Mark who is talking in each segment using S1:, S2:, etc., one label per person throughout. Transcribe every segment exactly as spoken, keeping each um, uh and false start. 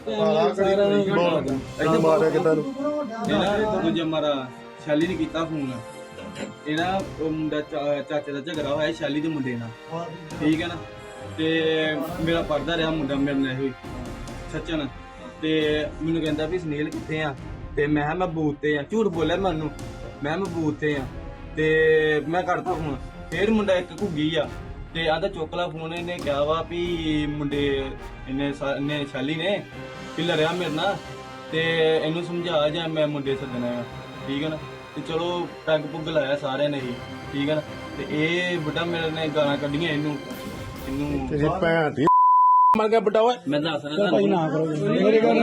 S1: ਇਹਨੂੰ ਮਾਰਿਆ ਕਿਦਾਂ ਨੂੰ
S2: ਇਹਦਾ ਦੂਜਾ ਮਾਰਾ ਸ਼ੈਲੀ ਨੇ ਕੀਤਾ ਫੋਨ। ਇਹਦਾ ਉਹ ਮੁੰਡਾ ਚਾਚੇ ਦਾ ਝਗੜਾ ਹੋਇਆ ਸ਼ੈਲੀ ਦੇ ਮੁੰਡੇ ਨਾਲ, ਠੀਕ ਹੈ ਨਾ। ਤੇ ਮੇਰਾ ਪੜਦਾ ਰਿਹਾ ਮੁੰਡਾ ਮੇਰੇ ਨਾਲ ਹੋਈ ਸੱਚਨ, ਤੇ ਮੈਨੂੰ ਕਹਿੰਦਾ ਵੀ ਸੁਨੀਲ ਕਿੱਥੇ ਆ, ਤੇ ਮੈਂ ਕਿਹਾ ਮੈਂ ਬੂਥ ਤੇ ਆ। ਝੂਠ ਬੋਲਿਆ ਮੈਨੂੰ, ਮੈਂ ਮੈਂ ਬੂਥ ਤੇ ਆ, ਤੇ ਮੈਂ ਕਰਦਾ ਫੋਨ। ਫੇਰ ਮੁੰਡਾ ਇੱਕ ਘੁੱਗੀ ਆ ਤੇ ਆਂਦਾ ਚੁੱਕ ਲਾ ਫੋਨ। ਇਹਨੇ ਕਿਹਾ ਵਾ ਵੀ ਮੁੰਡੇ ਇਹਨੇ ਇਹਨੇ ਸ਼ੈਲੀ ਨੇ ਵੀ ਲੜਿਆ ਮੇਰੇ ਨਾਲ, ਤੇ ਇਹਨੂੰ ਸਮਝਾ ਜਾਂ ਮੈਂ ਮੁੰਡੇ ਸੱਦਣਾ ਆ, ਠੀਕ ਹੈ ਨਾ। ਤੇ ਚਲੋ ਪੈਗ ਪੁੱਗ ਲਾਇਆ ਸਾਰਿਆਂ ਨੇ ਹੀ, ਠੀਕ ਹੈ ਨਾ। ਤੇ ਇਹ ਬੁੱਢਾ ਮੇਰੇ ਨੇ ਗਾਲਾਂ ਕੱਢੀਆਂ ਇਹਨੂੰ ਇਹਨੂੰ
S1: ਤੇਰੀ ਭੈਣ ਦੀ ਮਰ ਗਿਆ ਬੁੱਢਾ ਓਏ।
S2: ਮੈਂ ਦੱਸ ਰਿਹਾ ਭਾਈ ਨਾ ਕਰੋ
S1: ਮੇਰੇ ਘਰ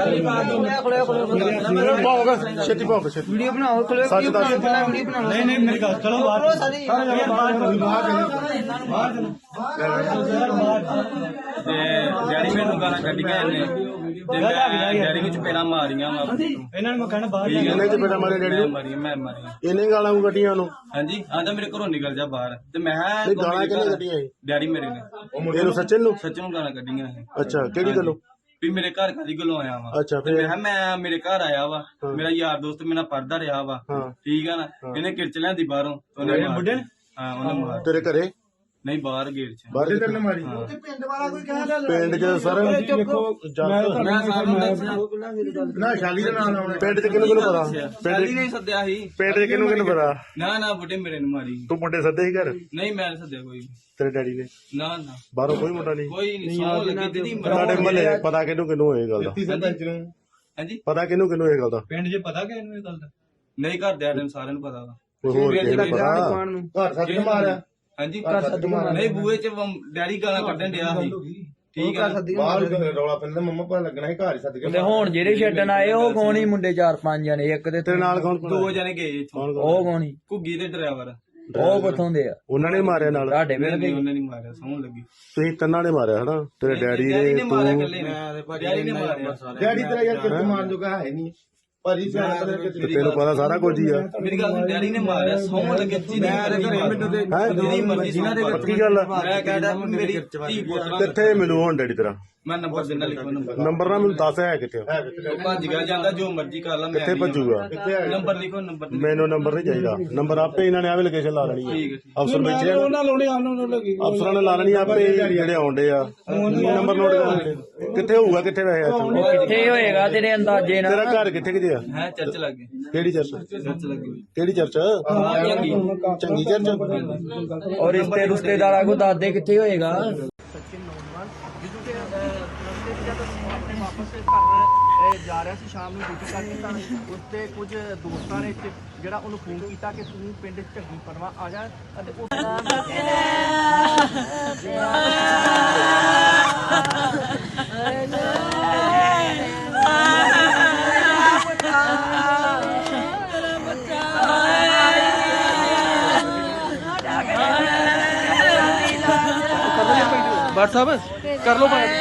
S1: ਪਾਓਗਾ ਛੇਤੀ ਪਾਓਗਾ ਛੇਤੀ
S3: ਵੀਡੀਓ ਬਣਾਓ ਖਲੋ
S1: ਸੱਚ ਦੱਸ
S3: ਵੀਡੀਓ ਬਣਾਓ।
S4: ਨਹੀਂ ਨਹੀਂ ਮੇਰੀ ਗੱਲ ਚਲੋ ਬਾਹਰ ਸਾਰੇ ਬਾਹਰ ਬਾਹਰ
S2: ਤੇ ਡੈਡੀ ਮੈਨੂੰ ਗਾਲਾਂ ਕੱਢੀਆਂ ਇਹਨੇ, ਤੇ ਮੈਂ ਡੈਡੀ ਵਿੱਚ ਪਹਿਲਾਂ ਮਾਰੀਆਂ ਵਾ
S4: ਇਹਨਾਂ ਨੂੰ ਮੈਂ ਕਹਿਣਾ ਬਾਹਰ
S1: ਇਹਨੇ ਚ ਬੇਟਾ ਮਾਰੇ ਡੈਡੀ ਨੂੰ
S2: ਮਾਰੀਆਂ ਮੈਂ ਮਾਰੀਆਂ।
S1: ਇਹਨੇ ਗਾਲਾਂ ਨੂੰ ਕੱਢੀਆਂ ਉਹਨੂੰ।
S2: ਹਾਂਜੀ ਆਂਦਾ ਮੇਰੇ ਘਰੋਂ ਨਿਕਲ ਜਾ ਬਾਹਰ, ਤੇ ਮੈਂ
S1: ਇਹ ਗਾਲਾਂ ਕਿਹਨੇ ਕੱਢੀਆਂ ਇਹ
S2: ਡੈਡੀ ਮੇਰੇ ਨੇ
S1: ਇਹਨੂੰ ਸੱਚਨ ਨੂੰ?
S2: ਸੱਚ ਨੂੰ ਗਾਲਾਂ ਕੱਢੀਆਂ ਇਹ।
S1: ਅੱਛਾ ਕਿਹੜੀ ਗੱਲੋਂ?
S2: ਵੀ ਮੇਰੇ ਘਰ ਕਾਦੀ ਗੱਲੋਂ ਆਇਆ ਵਾ।
S1: ਅੱਛਾ
S2: ਤੇ ਮੈਂ ਕਿਹਾ ਮੈਂ ਮੇਰੇ ਘਰ ਆਇਆ ਵਾ, ਮੇਰਾ ਯਾਰ ਦੋਸਤ ਮੇਰੇ ਨਾਲ ਪੜਦਾ ਰਿਹਾ ਵਾ,
S1: ਹਾਂ
S2: ਠੀਕ ਆ ਨਾ। ਇਹਨੇ ਕਿਰਚ ਲਿਆਂਦੀ ਬਾਹਰੋਂ, ਉਹਨੇ ਬੁੱਢੇ ਨੇ ਹਾਂ ਉਹਨੇ ਮਾਰ
S1: ਤੇਰੇ ਘਰੇ
S2: ਨਹੀਂ ਬਾਹਰ ਗੇਟ ਚ
S1: ਬਾਹਰ ਕਿੱਥੇ ਨੇ ਮਾਰੀ?
S3: ਪਿੰਡ ਵਾਲਾ ਕੋਈ ਕਹਿੰਦਾ
S1: ਪਿੰਡ ਚ ਸਰ
S4: ਨਾ ਸ਼ਾਲੀ ਦਾ ਨਾਮ ਆਉਣਾ
S1: ਪਿੰਡ ਚ ਕਿਹਨੂੰ ਕਿਹਨੂੰ ਪਤਾ?
S2: ਸ਼ੈਲੀ ਨੇ ਸੱਦਿਆ ਸੀ।
S1: ਪਿੰਡ ਚ ਕਿਹਨੂੰ ਕਿਹਨੂੰ ਪਤਾ?
S2: ਨਾ ਨਾ ਬੁੱਢੇ ਮੇਰੇ ਨੂੰ ਮਾਰੀ।
S1: ਤੂੰ ਮੁੰਡੇ ਸੱਦੇ ਸੀ ਘਰ
S2: ਨਹੀਂ ਮੈਂ ਨੀ ਸੱਦਿਆ ਕੋਈ,
S1: ਤੇਰੇ ਡੈਡੀ ਨੇ?
S2: ਨਾ ਨਾ
S1: ਬਾਹਰੋਂ ਕੋਈ ਮੁੰਡਾ ਨਹੀਂ?
S2: ਕੋਈ ਨਹੀਂ ਸੌਂ ਲੱਗੀ ਦੀਦੀ
S1: ਤੁਹਾਡੇ ਮਹੱਲੇ ਪਤਾ ਕਿਹਨੂੰ ਕਿਹਨੂੰ ਇਹ ਗੱਲ ਦਾ?
S4: ਸਰਪੰਚ ਨੂੰ
S2: ਹਾਂਜੀ
S1: ਪਤਾ ਕਿਹਨੂੰ ਕਿਹਨੂੰ ਇਹ ਗੱਲ ਦਾ?
S4: ਪਿੰਡ 'ਚ ਪਤਾ ਕਿ ਇਹਨੂੰ ਇਹ ਗੱਲ ਦਾ
S2: ਨਹੀਂ ਘਰ ਦੇ ਆਦਮ ਸਾਰਿਆਂ ਨੂੰ ਪਤਾ ਵਾ।
S1: ਕੋਈ ਹੋਰ ਕਿਸੇ ਨੂੰ ਪਤਾ?
S4: ਘਰ ਸੱਦ ਕੇ ਮਾਰਿਆ
S2: ਹਾਂਜੀ ਨਹੀਂ ਬੂਏ ਚ ਡੈਡੀ ਗਾਲਾਂ ਕੱਢਣ ਡਿਆ ਸੀ, ਠੀਕ ਹੈ ਨਾ।
S4: ਬਾਹਰ ਰੌਲਾ ਪੈਂਦਾ ਮੰਮਾ ਪਾ ਲੱਗਣਾ ਸੀ ਘਰ ਹੀ ਸੱਦ ਕੇ
S3: ਤੇ ਹੁਣ ਜਿਹੜੇ ਛੱਡਣ ਆਏ ਉਹ ਕੌਣ ਹੀ ਮੁੰਡੇ ਚਾਰ ਪੰਜ ਜਣੇ, ਇੱਕ ਤੇ
S1: ਤੇਰੇ ਨਾਲ ਕੌਣ
S2: ਦੋ ਜਣੇ ਗਏ ਇੱਥੋਂ,
S3: ਉਹ ਕੌਣ ਹੀ?
S2: ਘੁੱਗੀ ਤੇ ਡਰਾਈਵਰ।
S3: ਉਹ ਕਿੱਥੋਂ ਦੇ ਆ?
S1: ਉਹਨਾਂ ਨੇ ਮਾਰਿਆ ਨਾਲ?
S3: ਤੁਹਾਡੇ ਪਿੰਡ ਦੇ?
S2: ਉਹਨਾਂ ਨੇ ਮਾਰਿਆ, ਸੌਣ ਲੱਗੀ।
S1: ਤੁਸੀਂ ਤਿੰਨਾਂ ਨੇ ਮਾਰਿਆ ਹਨਾ? ਤੇਰੇ ਡੈਡੀ
S2: ਡੈਡੀ
S1: ਨੇ,
S2: ਨੇ ਮਾਰਿਆ
S1: ਤੂੰ?
S2: ਇਕੱਲੇ ਨੇ, ਡੈਡੀ ਨੇ ਮਾਰਿਆ।
S4: ਡੈਡੀ ਤੇਰਾ ਯਾਰ ਕਿੱਥੇ ਮਾਰਨ ਜੋਗਾ ਹੈ ਨਹੀਂ ਭਾਜੀ ਸਿਆਣਾ ਪਤਾ
S1: ਤੇ ਤੈਨੂੰ ਪਤਾ ਸਾਰਾ ਕੁਝ ਹੀ ਆ।
S2: ਮੇਰੀ ਗੱਲ ਸੁਣ, ਡੈਡੀ ਨੇ ਮਾਰਿਆ, ਸੌਣ ਲੱਗੇ। ਜਿਹਦੀ ਮੈਨੂੰ ਤੇ ਜਿਹਦੀ ਮਰਜ਼ੀ ਜਿਹਨਾਂ ਦੇ
S1: ਪੱਕੀ ਗੱਲ ਆ?
S2: ਮੈਂ ਕਹਿੰਦਾ ਮੇਰੀ ਧੀ ਪੁੱਤ
S1: ਕਿੱਥੇ ਮਿਲੂ ਹੁਣ ਡੈਡੀ ਤੇਰਾ?
S2: ਮੈਂ ਨੰਬਰ ਦਿੰਦਾ, ਲਿਖੋ ਨੰਬਰ।
S1: ਨੰਬਰ ਨਾ ਮੈਨੂੰ ਦੱਸ ਹੈ ਕਿੱਥੇ?
S2: ਉਹ ਭੱਜ ਗਿਆ ਜਾਂਦਾ, ਜੋ ਮਰਜ਼ੀ ਕਰ ਲਾ। ਮੈਂ
S1: ਕਿੱਥੇ ਭੱਜੂਗਾ?
S2: ਨੰਬਰ ਲਿਖੋ, ਨੰਬਰ
S1: ਮੈਨੂੰ ਨੰਬਰ ਨਹੀਂ ਚਾਹੀਦਾ। ਨੰਬਰ ਆਪੇ ਇਹਨਾਂ ਨੇ ਆਵੇ ਲੋਕੇਸ਼ਨ ਲਾ ਲੈਣੀ
S2: ਠੀਕ
S1: ਹੈ।
S2: ਹੈ
S1: ਅਫਸਰ ਬੈਠੇ ਆ, ਅਫਸਰਾਂ ਨੇ ਲਾ ਲੈਣੀ ਆਪੇ ਜਿਹੜੇ ਆਉਂਦੇ ਆ। ਨੰਬਰ ਨੋਟ ਕਰ ਕਿੱਥੇ ਹੋਊਗਾ? ਕਿੱਥੇ ਵੈਸੇ ਇੱਥੇ?
S3: ਕਿੱਥੇ ਹੋਏਗਾ ਤੇਰੇ ਅੰਦਾਜ਼ੇ ਨਾਲ?
S1: ਤੇਰਾ ਘਰ ਕਿੱਥੇ ਕਿਤੇ ਆ?
S2: ਹੈ ਚਰਚ ਲੱਗੇ,
S1: ਕਿਹੜੀ ਚਰਚ?
S2: ਚਰਚ ਲੱਗੀ
S1: ਕਿਹੜੀ ਚਰਚ?
S2: ਚੰਗੀ
S1: ਚੰਗੀ ਚਰਚ?
S3: ਔਰ ਰਿਸ਼ਤੇ ਰਿਸ਼ਤੇਦਾਰਾਂ ਕੋ ਦੱਸਦੇ ਕਿੱਥੇ ਹੋਏਗਾ?
S5: ਜਾ ਰਿਹਾ ਸੀ ਸ਼ਾਮ ਨੂੰ ਡਿਊਟੀ ਕਰਕੇ, ਤਾਂ ਉੱਤੇ ਕੁਝ ਦੋਸਤਾਂ ਨੇ ਜਿਹੜਾ ਉਹਨੂੰ ਫੋਨ ਕੀਤਾ ਕਿ ਤੂੰ ਪਿੰਡ ਝੱਗੀ ਪਰਵਾ ਆ ਜਾ, ਅਤੇ ਉਹ
S3: WhatsApp ਕਰ ਲੋ ਬਾਤ।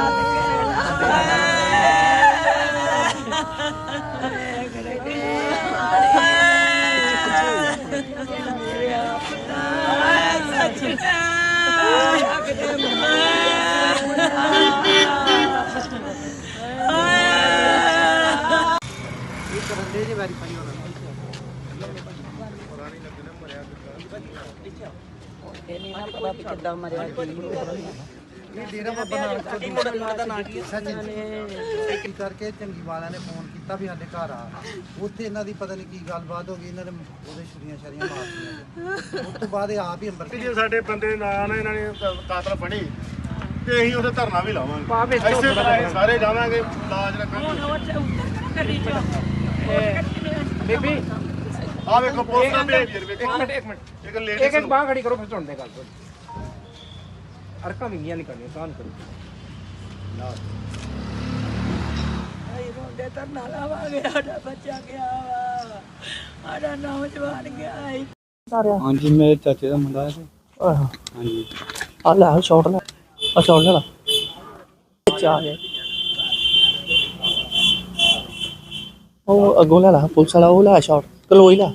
S6: ਨਹੀਂ ਨਾ ਪਤਾ ਵੀ ਕਿੱਦਾਂ ਮਰਿਆ
S5: ਇਹ ਡੇਰਾ ਬਾਬਾ ਨਾਨਕ ਤੋਂ ਦੂਸਰੇ ਪਿੰਡ ਦਾ ਨਾਂ ਕੀ ਹੈ? ਸੱਚ ਕਰਕੇ ਚੰਗੀ ਵਾਲਿਆਂ ਨੇ ਫੋਨ ਕੀਤਾ ਵੀ ਸਾਡੇ ਘਰ ਆ। ਉੱਥੇ ਇਹਨਾਂ ਦੀ ਪਤਾ ਨਹੀਂ ਕੀ ਗੱਲਬਾਤ ਹੋ ਗਈ, ਇਹਨਾਂ ਨੇ ਉਹਦੇ ਛੁਰੀਆਂ ਛਰੀਆਂ ਮਾਰਤੀਆਂ। ਉਸ ਤੋਂ ਬਾਅਦ ਇਹ ਆਪ ਹੀ ਅੰਬਰ
S1: ਜੇ ਸਾਡੇ ਬੰਦੇ ਨਾ ਨਾ ਇਹਨਾਂ ਨੇ ਕਾਤਲ ਫੜੇ ਤੇ ਅਸੀਂ ਉਹਦੇ ਧਰਨਾ ਵੀ ਲਾਵਾਂਗੇ। ਇਸੇ ਤਰ੍ਹਾਂ ਅਸੀਂ ਸਾਰੇ ਜਾਵਾਂਗੇ, ਲਾਜ ਰੱਖਾਂਗੇ।
S5: ਬੇਬੀ
S1: ਆ ਵੇਖੋ ਪੁਲਿਸ ਦਾ ਬਿਹੇਵੀਅਰ ਵੇਖੋ।
S5: ਇੱਕ ਮਿੰਟ ਇੱਕ ਮਿੰਟ
S1: ਇੱਕ ਲੇਡੀ
S5: ਇੱਕ ਇੱਕ ਬਾਂਹ ਖੜੀ ਕਰੋ, ਫਿਰ ਸੁਣਦੇ ਗੱਲ ਤੋਂ ਅਰਕਾਂ ਵਿੰਗੀਆਂ ਨਹੀਂ ਕਰਨੀਆਂ, ਕਾਨ ਕਰੋ।
S6: ਆਈ ਰੋਂਦੇ ਤਾਂ ਨਾ ਲਾਵਾਂਗੇ, ਸਾਡਾ ਬੱਚਾ ਗਿਆ ਵਾ, ਸਾਡਾ ਨੌਜਵਾਨ ਗਿਆ ਹੈ।
S4: ਹਾਂਜੀ ਮੇਰੇ ਚਾਚੇ ਦਾ ਮੁੰਡਾ ਹੈ। ਹਾਂਜੀ
S3: ਆ ਲੈ ਸ਼ਾਟ ਲੈ, ਆ ਸ਼ਾਟ ਲੈ ਲਾ। ਚਾ ਗਿਆ ਉਹ ਅੱਗੋਂ ਲੈ ਲਾ, ਪੁਲਿਸ ਵਾਲਾ ਉਹ ਲੈ ਸ਼ਾਟ, ਕਲੋਈ ਲੈ।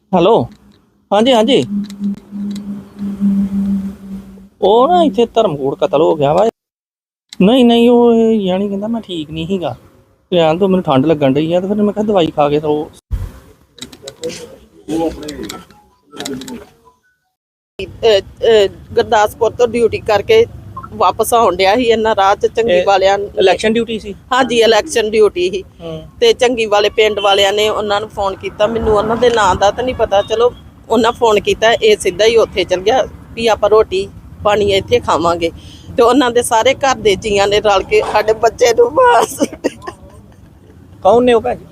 S3: ਹੈਲੋ ਹਾਂਜੀ ਹਾਂਜੀ ਉਹ ਨਾ ਇੱਥੇ ਧਰਮਕੋਟ ਕਤਲ ਹੋ ਗਿਆ ਵਾ ਨਹੀਂ ਨਹੀਂ ਉਹ ਯਾਨੀ ਕਹਿੰਦਾ ਮੈਂ ਠੀਕ ਨਹੀਂ ਸੀਗਾ ਲੈਣ ਤੋਂ ਮੈਨੂੰ ਠੰਡ ਲੱਗਣ ਡਈ ਆ ਤੇ ਫਿਰ ਮੈਂ ਕਿਹਾ ਦਵਾਈ ਖਾ ਕੇ ਸੋ
S7: ਗੁਰਦਾਸਪੁਰ ਤੋਂ ਡਿਊਟੀ ਕਰਕੇ ਵਾਪਸ ਆਉਣ ਡਿਆ ਸੀ ਇਹਨਾਂ ਰਾਹ ਚ ਚੰਗੀ ਵਾਲਿਆਂ
S3: ਇਲੈਕਸ਼ਨ ਡਿਊਟੀ ਸੀ
S7: ਹਾਂਜੀ ਇਲੈਕਸ਼ਨ ਡਿਊਟੀ ਸੀ ਤੇ ਚੰਗੀ ਵਾਲੇ ਪਿੰਡ ਵਾਲਿਆਂ ਨੇ ਉਹਨਾਂ ਨੂੰ ਫੋਨ ਕੀਤਾ ਮੈਨੂੰ ਉਹਨਾਂ ਦੇ ਨਾਂ ਦਾ ਤਾਂ ਨਹੀਂ ਪਤਾ ਚਲੋ ਉਹਨਾਂ ਫੋਨ ਕੀਤਾ ਇਹ ਸਿੱਧਾ ਹੀ ਉੱਥੇ ਚਲ ਗਿਆ ਵੀ ਆਪਾਂ ਰੋਟੀ ਪਾਣੀ ਇੱਥੇ ਖਾਵਾਂਗੇ ਤੇ ਉਹਨਾਂ ਦੇ ਸਾਰੇ ਘਰ ਦੇ ਜੀਆਂ ਨੇ ਰਲ ਕੇ ਸਾਡੇ ਬੱਚੇ ਨੂੰ ਮਾਰ ਸੁੱਟਿਆ।
S3: ਕੌਣ ਨੇ ਉਹ ਭੈਣ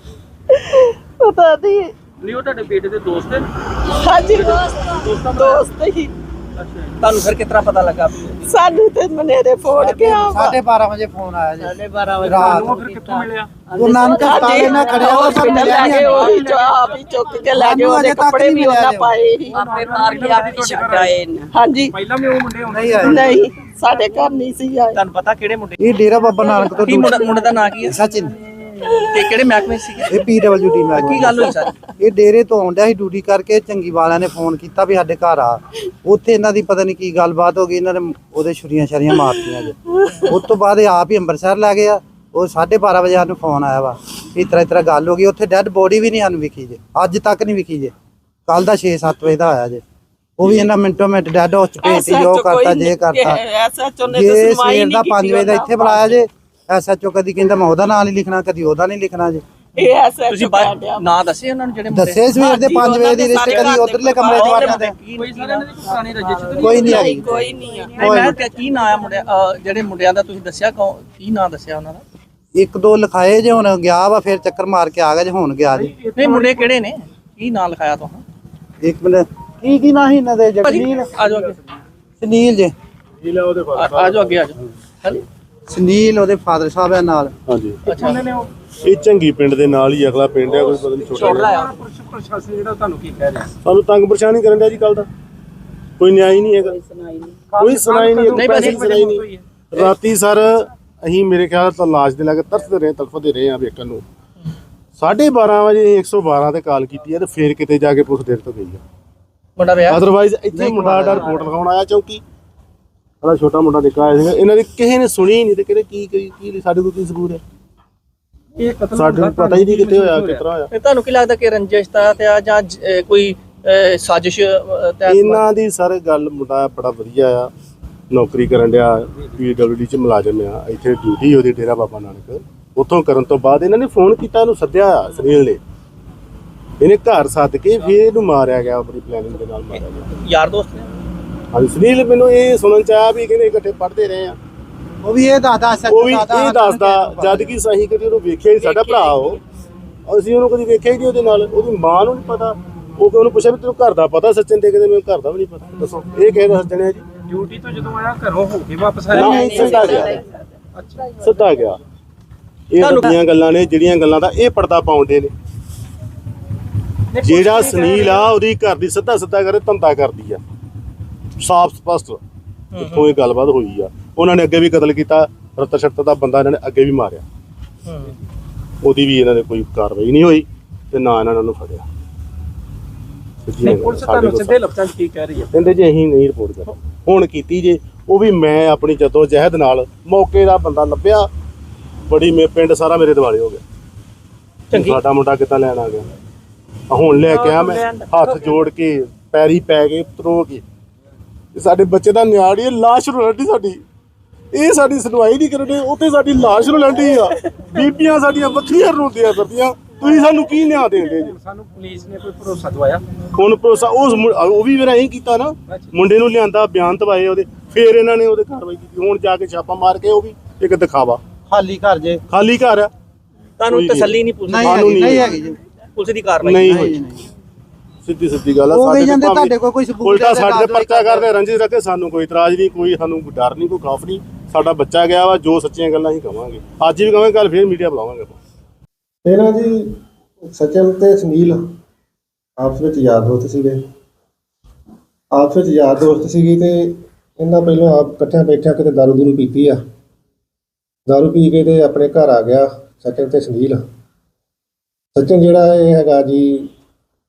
S7: ਪਤਾ ਨਹੀਂ
S3: ਨਹੀਂ ਉਹ ਤੁਹਾਡੇ ਬੇਟੇ ਦੇ ਦੋਸਤ ਨੇ
S7: ਹਾਂਜੀ ਦੋਸਤ ਦੋਸਤ ਹੀ
S3: ਤੁਹਾਨੂੰ ਫਿਰ ਕਿਤਨਾ ਪਤਾ ਲੱਗਾ
S7: ਸਾਨੂੰ ਤੇ ਮਨੇਰੇ ਫੋਨ ਗਿਆ
S5: ਸਾਢੇ ਬਾਰਾਂ ਵਜੇ ਫੋਨ ਆਇਆ ਜੀ
S3: ਸਾਢੇ ਬਾਰਾਂ ਵਜੇ
S5: ਰਾਤ
S3: ਨੂੰ ਫਿਰ ਕਿੱਥੋਂ ਮਿਲਿਆ
S5: ਉਹ ਨਾਨਕ ਹਸਪਤਾਲ ਨਾਲ ਖੜਿਆ ਉਹ ਪਰ ਮਿਲਿਆ
S7: ਲੈ ਗਏ ਉਹੀ ਜੋ ਆਪ ਹੀ ਚੁੱਕ ਕੇ ਲੈ ਗਏ ਉਹਦੇ ਕੱਪੜੇ ਵੀ ਉਹਨਾਂ ਪਾਏ ਸੀ
S6: ਆਪੇ ਮਾਰ ਕੇ ਆਪੇ ਛੱਡ ਆਏ ਨੇ
S7: ਹਾਂਜੀ
S3: ਪਹਿਲਾਂ ਵੀ ਉਹ ਮੁੰਡੇ
S5: ਨਹੀਂ ਆਏ
S7: ਨਹੀਂ ਸਾਡੇ ਘਰ ਨਹੀਂ ਸੀ ਆਏ
S3: ਤੁਹਾਨੂੰ ਪਤਾ ਕਿਹੜੇ ਮੁੰਡੇ
S5: ਇਹ ਡੇਰਾ ਬਾਬਾ ਨਾਨਕ ਤੋਂ
S3: ਕੀ ਮੁੰਡਾ ਮੁੰਡੇ ਦਾ ਨਾਂ ਕੀ ਹੈ
S5: ਸਚਿਨ
S3: ਤੇ ਕਿਹੜੇ ਮਹਿਕਮੇ ਸੀ
S5: ਇਹ ਪੀ ਡਬਲਯੂ ਡੀ ਮੈਂ
S3: ਕੀ ਗੱਲ ਹੋਈ ਸਰ
S5: ਇਹ ਡੇਰੇ ਤੋਂ ਆਉਂਦਿਆ ਸੀ ਡਿਊਟੀ ਕਰਕੇ ਚੰਗੀ ਵਾਲਿਆਂ ਨੇ ਫੋਨ ਕੀਤਾ ਵੀ ਸਾਡੇ ਘਰ ਆ ਉੱਥੇ ਇਹਨਾਂ ਦੀ ਪਤਾ ਨਹੀਂ ਕੀ ਗੱਲਬਾਤ ਹੋ ਗਈ ਇਹਨਾਂ ਨੇ ਉਹਦੇ ਛੁਰੀਆਂ ਛਰੀਆਂ ਮਾਰਤੀਆਂ ਜੇ ਉਸ ਤੋਂ ਬਾਅਦ ਇਹ ਆਪ ਹੀ ਅੰਮ੍ਰਿਤਸਰ ਲੈ ਗਏ ਆ ਉਹ ਸਾਢੇ ਬਾਰਾਂ ਵਜੇ ਸਾਨੂੰ ਫੋਨ ਆਇਆ ਵਾ ਇਸ ਤਰ੍ਹਾਂ ਇਸ ਤਰ੍ਹਾਂ ਗੱਲ ਹੋ ਗਈ ਉੱਥੇ ਡੈੱਡ ਬੋਡੀ ਵੀ ਨਹੀਂ ਸਾਨੂੰ ਵਿਖੀ ਜੇ ਅੱਜ ਤੱਕ ਨਹੀਂ ਵਿਖੀ ਜੇ ਕੱਲ ਦਾ ਛੇ ਸੱਤ ਵਜੇ ਦਾ ਆਇਆ ਜੇ ਉਹ ਵੀ ਇਹਨਾਂ ਮਿੰਟੋ ਮਿੰਟ ਡੈੱਡ ਹਾਊਸ ਚ ਭੇਜਤੀ ਜੋ ਕਰਤਾ ਜੇ ਕਰਤਾ
S7: ਐਸਐਚਓ ਨੇ
S5: ਜੇ
S7: ਤਾਂ ਸੁਣਵਾਈ
S5: ਸਵੇਰ ਦਾ
S7: ਨਹੀਂ
S5: ਪੰਜ ਵਜੇ ਦਾ ਇੱਥੇ ਬੁਲਾਇਆ ਜੇ ਐਸਐਚਓ ਕਦੀ ਕਹਿੰਦਾ ਮੈਂ ਉਹਦਾ ਨਾਂ ਨਹੀਂ ਲਿਖਣਾ ਕਦੀ ਉਹਦਾ ਨਹੀਂ ਲਿਖਣਾ ਜੇ
S7: ਇਹ ਐਸਐਚਓ
S3: ਤੁਸੀਂ ਨਾਂ ਦੱਸੇ ਉਹਨਾਂ ਨੂੰ ਜਿਹੜੇ
S5: ਦੱਸੇ ਸਵੇਰ ਦੇ ਪੰਜ ਵਜੇ ਦੀ ਰਿਸ਼ਤੇ ਕਦੀ ਉਧਰਲੇ ਕਮਰੇ 'ਚ ਵੜਨਾ ਤੇ
S3: ਕੋਈ ਸਾਰੇ ਇਹਨਾਂ ਦੀ ਕੋਈ ਪੁਰਾਣੀ ਰਜਿਸ਼ ਤਾਂ
S5: ਕੋਈ ਨਹੀਂ ਆਈ
S7: ਕੋਈ ਨਹੀਂ ਆ
S3: ਨਹੀਂ ਮੈਂ ਕਿਹਾ ਕੀ ਨਾਂ ਆ ਮੁੰਡਿਆ ਅਹ ਜਿਹੜੇ ਮੁੰਡਿਆਂ ਦਾ ਤੁਸੀਂ ਦੱਸਿਆ ਕੌਣ ਕੀ ਨਾਂ ਦੱਸਿਆ ਉਹਨਾਂ ਦਾ
S5: ਇੱਕ ਦੋ ਲਿਖਾਏ ਜੇ ਹੁਣ ਗਿਆ ਵਾ ਫਿਰ ਚੱਕਰ ਮਾਰ ਕੇ ਆ ਗਿਆ ਜੇ ਹੁਣ ਗਿਆ ਜੀ
S3: ਨਹੀਂ ਮੁੰਡੇ ਕਿਹੜੇ ਨੇ ਕੀ ਨਾਂ ਲਿਖਾਇਆ ਤੁਸੀਂ
S5: ਇੱਕ ਮਿੰਟ ਕੀ ਕੀ ਨਾਂ ਸੀ ਇਹਨਾਂ ਦੇ ਜਗਨੀਲ
S3: ਆ ਜਾਓ ਅੱਗੇ
S5: ਸੁਨੀਲ ਜੇ
S1: ਜ਼ਿਲ੍ਹਾ ਉਹਦੇ
S3: ਆ ਆ ਜਾਓ ਅੱਗੇ ਆ ਜਾਓ ਹਾਂਜੀ
S5: ਸੁਨੀਲ ਉਹਦੇ ਫਾਦਰ ਸਾਹਿਬ ਆ ਨਾਲ
S1: ਹਾਂਜੀ
S3: ਅੱਛਾ
S1: ਇਹ ਚੰਗੀ ਪਿੰਡ ਦੇ ਨਾਲ ਹੀ ਅਗਲਾ ਪਿੰਡ ਹੈ ਕੋਈ ਪਤਾ ਨਹੀਂ ਛੋਟਾ
S3: ਛੋੜ
S1: ਜਿਹਾ।
S3: ਲਾਇਆ ਪ੍ਰਸ਼ਾਸਨ ਜਿਹੜਾ ਤੁਹਾਨੂੰ ਕੀ ਕਹਿ ਰਿਹਾ
S1: ਸਾਨੂੰ ਤੰਗ ਪਰੇਸ਼ਾਨੀ ਕਰਨ ਡਿਆ ਜੀ ਕੱਲ ਦਾ ਕੋਈ ਨਿਆਂ ਹੀ ਨਹੀਂ ਹੈਗਾ ਕੋਈ ਸੁਣਾਈ ਨਹੀਂ
S3: ਨਹੀਂ
S1: ਪੈਸੇ
S3: ਬਸ
S1: ਸੁਣਾਈ ਨਹੀਂ ਰਾਤੀ ਸਰ ਅਸੀਂ ਮੇਰੇ ਖਿਆਲ ਤਾਂ ਲਾਸ਼ ਦੇ ਲਾਗੇ ਤਰਸਦੇ ਰਹੇ ਤੜਫਦੇ ਰਹੇ ਆ ਵੇਖਣ ਨੂੰ ਸਾਢੇ ਬਾਰਾਂ ਵਜੇ ਇੱਕ ਸੌ ਬਾਰਾਂ ਤੇ ਕਾਲ ਕੀਤੀ ਹੈ ਤੇ ਫੇਰ ਕਿਤੇ ਜਾ ਕੇ ਪੁਲਿਸ ਦੇਰ ਤੋਂ ਗਈ ਆ
S3: ਮੁੰਡਾ ਵਿਆਹ
S1: ਅਦਰਵਾਈਜ਼ ਇੱਥੇ ਮੁੰਡਾ ਦਾ ਰਿਪੋਰਟ ਲਿਖਾਉਣ ਆਇਆ ਚੌਂਕੀ ਸਾਡਾ ਛੋਟਾ ਮੁੰਡਾ ਨਿੱਕਾ ਆਇਆ ਸੀਗਾ ਇਹਨਾਂ ਦੀ ਕਿਸੇ ਨੇ ਸੁਣੀ ਹੀ ਨਹੀਂ ਤੇ ਕਿਹੜੇ ਕੀ ਕੀ ਕੀ ਸਾਡੇ ਕੋਲ ਕੀ ਸਬੂਤ ਹੈ
S3: ਇਹ ਕਤਲ
S1: ਸਾਡੇ ਨੂੰ ਪਤਾ ਹੀ ਨਹੀਂ ਕਿੱਥੇ ਹੋਇਆ ਕਿਸ ਤਰ੍ਹਾਂ ਹੋਇਆ
S3: ਤੇ ਤੁਹਾਨੂੰ ਕੀ ਲੱਗਦਾ ਕਿ ਰੰਜਿਸ਼ ਦਾ ਤੇ ਆ ਜਾਂ ਜ- ਅਹ ਕੋਈ ਅਹ ਸਾਜ਼ਿਸ਼ ਅਹ, ਤਹਿਤ
S1: ਇਹਨਾਂ ਦੀ ਸਰ ਗੱਲ ਮੁੰਡਾ ਬੜਾ ਵਧੀਆ ਆ ਨੌਕਰੀ ਕਰਨ ਡਿਆ ਪੀ ਡਬਲਯੂ ਡੀ ਚ ਮੁਲਾਜ਼ਮ ਆ ਇੱਥੇ ਡਿਊਟੀ ਉਹਦੀ ਡੇਰਾ ਬਾਬਾ ਨਾਨਕ ਉੱਥੋਂ ਕਰਨ ਤੋਂ ਬਾਅਦ ਇਹਨਾਂ ਨੇ ਫੋਨ ਕੀਤਾ ਇਹਨੂੰ ਸੱਦਿਆ ਆ ਸੁਨੀਲ ਨੇ ਇਹਨੇ ਘਰ ਸੱਦ ਕੇ ਫਿਰ ਇਹਨੂੰ ਮਾਰਿਆ ਗਿਆ ਆਪਣੀ ਪਲੈਨਿੰਗ ਦੇ ਨਾਲ ਮਾਰਿਆ ਗਿਆ
S3: ਯਾਰ ਦੋਸਤ ਨੇ
S1: ਹਾਂਜੀ ਸੁਨੀਲ ਮੈਨੂੰ ਇਹ ਸੁਣਨ ਚ ਆਇਆ ਵੀ ਕਹਿੰਦੇ ਇਕੱਠੇ ਪੜ੍ਹਦੇ ਰਹੇ ਆ
S5: ਉਹ ਵੀ ਇਹ ਦੱਸਦਾ ਸੱਚ
S1: ਉਹ ਵੀ ਇਹ ਦੱਸਦਾ ਜਦ ਕਿ ਸਹੀ ਕਦੀ ਉਹਨੂੰ ਵੇਖਿਆ ਹੀ ਸਾਡਾ ਭਰਾ ਉਹ ਅਸੀਂ ਉਹਨੂੰ ਕਦੀ ਵੇਖਿਆ ਹੀ ਨਹੀਂ ਉਹਦੇ ਨਾਲ ਉਹਦੀ ਮਾਂ ਨੂੰ ਨਹੀਂ ਪਤਾ ਉਹ ਕਿ ਉਹਨੂੰ ਪੁੱਛਿਆ ਵੀ ਤੈਨੂੰ ਘਰ ਦਾ ਪਤਾ ਸੱਚਨ ਦੇ ਕਹਿੰਦੇ ਮੈਨੂੰ ਘਰ ਦਾ ਵੀ ਨਹੀਂ ਪਤਾ ਦੱਸੋ ਇਹ ਕਿਹਦੇ ਦੱਸ ਜਣੇ ਜੀ
S3: ਡਿਊਟੀ ਤੋਂ ਜਦੋਂ ਆਇਆ ਘਰੋਂ ਹੋ ਕੇ ਵਾਪਸ
S1: ਨਹੀਂ ਸਿੱਧਾ ਗਿਆ ਸਿੱਧਾ ਗਿਆ ਇਹ ਵੱਡੀਆਂ ਗੱਲਾਂ ਨੇ ਜਿਹੜੀਆਂ ਗੱਲਾਂ ਦਾ ਇਹ ਪਰਦਾ ਪਾਉਂਦੇ ਨੇ ਜਿਹੜਾ ਸੁਨੀਲ ਆ ਉਹਦੀ ਘਰ ਦੀ ਸਿੱਧਾ ਸਿੱਧਾ ਕਰੇ ਧੰਦਾ ਕਰਦੀ ਆ ਸਾਫ਼ ਸਪਸ਼ਟ ਇੱਥੋਂ ਇਹ ਗੱਲਬਾਤ ਹੋਈ ਆ ਉਹਨਾਂ ਨੇ ਅੱਗੇ ਵੀ ਕਤਲ ਕੀਤਾ ਰਤ ਸ਼ਰਤ ਦਾ ਬੰਦਾ ਇਹਨਾਂ ਨੇ ਅੱਗੇ ਵੀ ਮਾਰਿਆ ਉਹਦੀ ਵੀ ਇਹਨਾਂ ਨੇ ਕੋਈ ਕਾਰਵਾਈ ਨਹੀਂ ਹੋਈ ਤੇ ਨਾ ਇਹਨਾਂ ਨੂੰ ਫੜਿਆ
S3: ਪੁਲਿਸ ਤੁਹਾਨੂੰ ਸਿੱਧੇ ਲਫ਼ਜ਼ਾਂ 'ਚ ਕੀ ਕਹਿ ਰਹੀ ਹੈ
S1: ਕਹਿੰਦੇ ਜੀ ਅਸੀਂ ਨਹੀਂ ਰਿਪੋਰਟ ਕਰ ਹੁਣ ਕੀਤੀ ਜੇ ਉਹ ਵੀ ਮੈਂ ਆਪਣੀ ਜੱਦੋ ਜਹਿਦ ਨਾਲ ਮੌਕੇ ਦਾ ਬੰਦਾ ਲੱਭਿਆ ਬੜੀ ਮੇ ਪਿੰਡ ਸਾਰਾ ਮੇਰੇ ਦਿਵਾਲੇ ਹੋ ਗਿਆ
S3: ਚੰਗੀ
S1: ਸਾਡਾ ਮੁੰਡਾ ਕਿੱਦਾਂ ਲੈਣ ਆ ਗਿਆ ਆ ਹੁਣ ਲੈ ਕੇ ਆ ਮੈਂ ਹੱਥ ਜੋੜ ਕੇ ਪੈਰੀ ਪੈ ਕੇ ਉਤਰੋ ਕੇ ਸਾਡੇ ਬੱਚੇ ਦਾ ਨਿਆੜੀ ਹੈ ਲਾਸ਼ ਰੋਲਦੀ ਸਾਡੀ ਇਹ ਸਾਡੀ ਸੁਣਵਾਈ ਨਹੀਂ ਕਰਦੇ ਉੱਥੇ ਸਾਡੀ ਲਾਸ਼ ਰੋਲਦੀ ਆ ਬੀਬੀਆਂ ਸਾਡੀਆਂ ਵੱਖਰੀਆਂ ਰੋਂਦੀਆਂ ਫਿਰਦੀਆਂ ਤੁਸੀਂ ਸਾਨੂੰ ਕੀ ਨਿਆਂ ਦੇਂਦੇ ਜੀ
S3: ਸਾਨੂੰ ਪੁਲਿਸ ਨੇ ਕੋਈ ਭਰੋਸਾ ਦਵਾਇਆ
S1: ਹੁਣ ਭਰੋਸਾ ਉਸ ਮੁੰ- ਉਹ ਵੀ ਮੇਰਾ ਇਹੀ ਕੀਤਾ ਨਾ ਮੁੰਡੇ ਨੂੰ ਲਿਆਂਦਾ ਬਿਆਨ ਦਵਾਏ ਉਹਦੇ ਫਿਰ ਇਹਨਾਂ ਨੇ ਉਹਦੇ ਕਾਰਵਾਈ ਕੀਤੀ ਹੁਣ ਜਾ ਕੇ ਛਾਪਾ ਮਾਰ ਕੇ ਉਹ ਵੀ ਇੱਕ ਦਿਖਾਵਾ
S5: ਖਾਲੀ ਘਰ ਜੇ
S1: ਖਾਲੀ ਘਰ ਆ
S3: ਤੁਹਾਨੂੰ ਤਸੱਲੀ ਨਹੀਂ ਪੁਲਿਸ
S5: ਨਹੀਂ
S1: ਸਾਨੂੰ
S5: ਹੈਗੀ
S1: ਨਹੀਂ
S5: ਨਹੀਂ ਹੈਗੀ ਜੀ
S3: ਪੁਲਿਸ ਦੀ ਕਾਰਵਾਈ
S1: ਨਹੀਂ ਹੋਈ ਸਿੱਧੀ ਸਿੱਧੀ ਗੱਲ ਆ
S5: ਉਹ ਵੀ
S1: ਤੇ
S5: ਜਾਂਦੇ
S1: ਭਾਵੇਂ
S5: ਤੁਹਾਡੇ ਕੋਲ ਕੋਈ ਸਬੂਤ
S1: ਉਲਟਾ
S5: ਹੈ,
S1: ਸਾਡੇ ਤੇ
S5: ਕਾਰਵਾਈ
S1: ਪਰਚਾ ਕਰਦੇ ਰੰਜਿਸ਼ ਰੱਖੇ ਸਾਨੂੰ ਕੋਈ ਇਤਰਾਜ਼ ਨਹੀਂ ਕੋਈ ਸਾਨੂੰ ਕੋਈ ਡਰ ਨਹੀਂ ਕੋਈ ਖੌਫ ਨਹੀਂ ਸਾਡਾ ਬੱਚਾ ਗਿਆ ਵਾ ਜੋ ਸੱਚੀਆਂ ਗੱਲਾਂ ਹੀ ਕਵਾਂਗੇ ਅੱਜ ਵੀ ਕਵਾਂਗੇ ਕੱਲ ਫਿਰ ਮੀਡੀਆ ਬੁਲਾਵਾਂਗੇ ਆਪਾਂ
S8: ਇਹਨਾਂ ਜੀ ਸਚਿਨ ਤੇ ਸੁਨੀਲ ਆਪਸ ਵਿੱਚ ਯਾਰ ਦੋਸਤ ਸੀਗੇ ਆਪਸ ਵਿੱਚ ਯਾਰ ਦੋਸਤ ਸੀਗੇ ਤੇ ਇਹਨਾਂ ਪਹਿਲਾਂ ਆਪ ਇਕੱਠਿਆਂ ਬੈਠਿਆਂ ਕਿਤੇ ਦਾਰੂ ਦੂਰੂ ਪੀਤੀ ਆ ਦਾਰੂ ਪੀ ਕੇ ਤੇ ਆਪਣੇ ਘਰ ਆ ਗਿਆ ਸਚਿਨ ਤੇ ਸੁਨੀਲ ਸਚਿਨ ਜਿਹੜਾ ਇਹ ਹੈਗਾ ਜੀ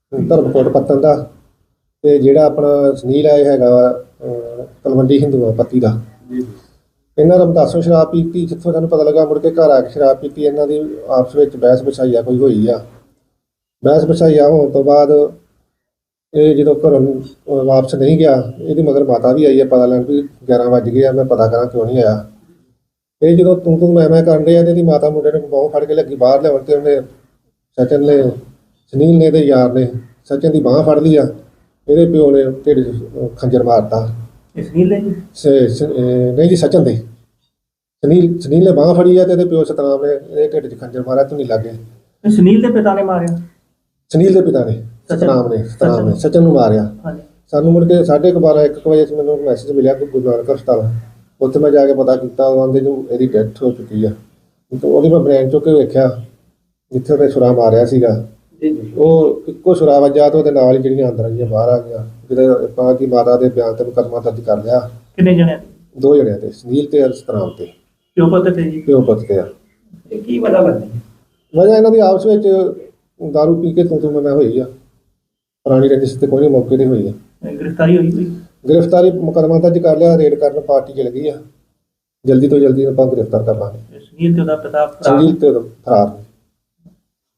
S8: ਧਰਮਕੋਟ ਪੱਤਨ ਦਾ, ਤੇ ਜਿਹੜਾ ਆਪਣਾ ਸੁਨੀਲ ਹੈ ਇਹ ਹੈਗਾ ਵਾ ਅਹ, ਤਲਵੰਡੀ ਹਿੰਦੂਆਂ ਪੱਤੀ ਦਾ। ਇਹਨਾਂ ਰਮਦਾਸੋਂ ਸ਼ਰਾਬ ਪੀਤੀ, ਜਿੱਥੋਂ ਸਾਨੂੰ ਪਤਾ ਲੱਗਾ ਮੁੜ ਕੇ ਘਰ ਆ ਕੇ ਸ਼ਰਾਬ ਪੀਤੀ। ਇਹਨਾਂ ਦੀ ਆਪਸ ਵਿੱਚ ਬਹਿਸ ਬਸਾਈਆ ਕੋਈ ਹੋਈ ਆ। ਬਹਿਸ ਬਸਾਈਆ ਹੋਣ ਤੋਂ ਬਾਅਦ ਇਹ ਜਦੋਂ ਘਰੋਂ ਅਹ, ਵਾਪਸ ਨਹੀਂ ਗਿਆ, ਇਹਦੀ ਮਗਰ ਮਾਤਾ ਵੀ ਆਈ ਹੈ ਪਤਾ ਲੈਣ ਵੀ ਗਿਆਰਾਂ ਵੱਜ ਗਏ ਆ, ਮੈਂ ਪਤਾ ਕਰਾਂ ਕਿਉਂ ਨਹੀਂ ਆਇਆ। ਇਹ ਜਦੋਂ ਤੂੰ ਤੂੰ ਮੈਂ ਮੈਂ ਕਰਨ ਡਿਆ ਤੇ ਇਹਦੀ ਮਾਤਾ ਮੁੰਡੇ ਨੇ ਬਾਂਹ ਫੜ ਕੇ ਲੱਗੀ ਬਾਹਰ ਲਿਆਉਣ, ਤੇ ਉਹਨੇ ਸਚਨ ਨੇ ਸੁਨੀਲ ਨੇ ਤੇ ਯਾਰ ਨੇ ਸਚਨ ਦੀ ਬਾਂਹ ਫੜ ਲਈ ਆ। ਇਹਦੇ ਪਿਓ ਨੇ ਢਿੱਡ 'ਚ ਖੰਜਰ ਮਾਰਤਾ।
S3: ਸੁਨੀਲ ਨੇ ਜੀ
S8: ਸ- ਸ- ਅਹ ਨਹੀਂ ਜੀ ਸਚਨ ਦੇ ਸੁਨੀਲ ਸੁਨੀਲ ਨੇ ਬਾਂਹ ਫੜੀ ਆ ਤੇ ਇਹਦੇ ਪਿਓ ਸਤਨਾਮ ਨੇ ਇਹਦੇ ਢਿੱਡ 'ਚ ਖੰਜਰ ਮਾਰਿਆ। ਤੂੰ ਨਹੀਂ ਲੱਗੇ
S3: ਸੁਨੀਲ ਦੇ ਪਿਤਾ ਨੇ ਮਾਰਿਆ?
S8: ਸੁਨੀਲ ਦੇ ਪਿਤਾ ਨੇ ਸਤਨਾਮ ਨੇ ਸਤਨਾਮ ਨੇ ਸਚਨ ਨੂੰ ਮਾਰਿਆ।
S3: ਹਾਂਜੀ।
S8: ਸਾਨੂੰ ਮੁੜ ਕੇ ਸਾਢੇ ਕੁ ਬਾਰਾਂ ਇੱਕ ਕੁ ਵਜੇ 'ਚ ਮੈਨੂੰ ਮੈਸੇਜ ਮਿਲਿਆ ਕਿ ਗੁਰੂ ਨਾਨਕ ਹਸਪਤਾਲ, ਉੱਥੇ ਮੈਂ ਜਾ ਕੇ ਪਤਾ ਕੀਤਾ, ਉਹਦੇ ਨੂੰ ਇਹਦੀ ਡੈਥ ਹੋ ਚੁੱਕੀ ਆ। ਤੇ ਉਹਦੀ ਮੈਂ ਬ੍ਰੇਨ ਚੁੱਕ ਕੇ ਵੇਖਿਆ ਜਿੱਥੇ ਉਹਨੇ ਛੁਰਾ ਮਾਰਿਆ ਸੀਗਾ, ਉਹ ਇੱਕੋ ਛੁਰਾ ਵੱਜਾ ਤੇ ਉਹਦੇ ਨਾਲ ਹੀ ਜਿਹੜੀਆਂ ਅੰਦਰ ਆਈਆਂ ਬਾਹਰ ਆ ਗਈਆਂ। ਜਿਹਦੇ ਆਪਾਂ ਕੀ ਮਾਤਾ ਦੇ ਬਿਆਨ ਤੇ ਮੁਕੱਦਮਾ ਦਰਜ ਕਰ ਲਿਆ।
S3: ਕਿੰਨੇ ਜਣੇ?
S8: ਦੋ ਜਣਿਆਂ ਤੇ, ਸੁਨੀਲ ਤੇ ਸਤਨਾਮ ਤੇ,
S3: ਪਿਓ ਪੁੱਤ ਤੇ ਜੀ?
S8: ਪਿਓ ਪੁੱਤ ਤੇ ਆ।
S3: ਇਹ ਕੀ ਵਜ੍ਹਾ ਲੱਗਦੀ?
S8: ਵਜ੍ਹਾ ਇਹਨਾਂ ਦੀ ਆਪਸ ਵਿੱਚ ਦਾਰੂ ਪੀ ਕੇ ਤੂੰ ਤੂੰ ਮੈਂ ਮੈਂ ਹੋਈ ਆ। ਪੁਰਾਣੀ ਰੰਜਿਸ਼ ਤੇ ਕੋਈ ਨਹੀਂ ਮੌਕੇ ਤੇ ਹੋਈ ਆ।
S3: ਗ੍ਰਿਫਤਾਰੀ ਹੋਈ ਕੋਈ?
S8: ਗ੍ਰਿਫਤਾਰੀ ਮੁਕੱਦਮਾ ਦਰਜ ਕਰ ਲਿਆ, ਰੇਡ ਕਰਨ ਪਾਰਟੀ ਚਲ ਗਈ ਆ। ਜਲਦੀ ਤੋਂ ਜਲਦੀ ਆਪਾਂ ਗ੍ਰਿਫਤਾਰ ਕਰ ਲਾਂਗੇ।
S3: ਸੁਨੀਲ ਤੇ ਉਹਦਾ ਪਿਤਾ
S8: ਸੁਨੀਲ ਤੇ ਉਹਦਾ ਫਰਾਰ।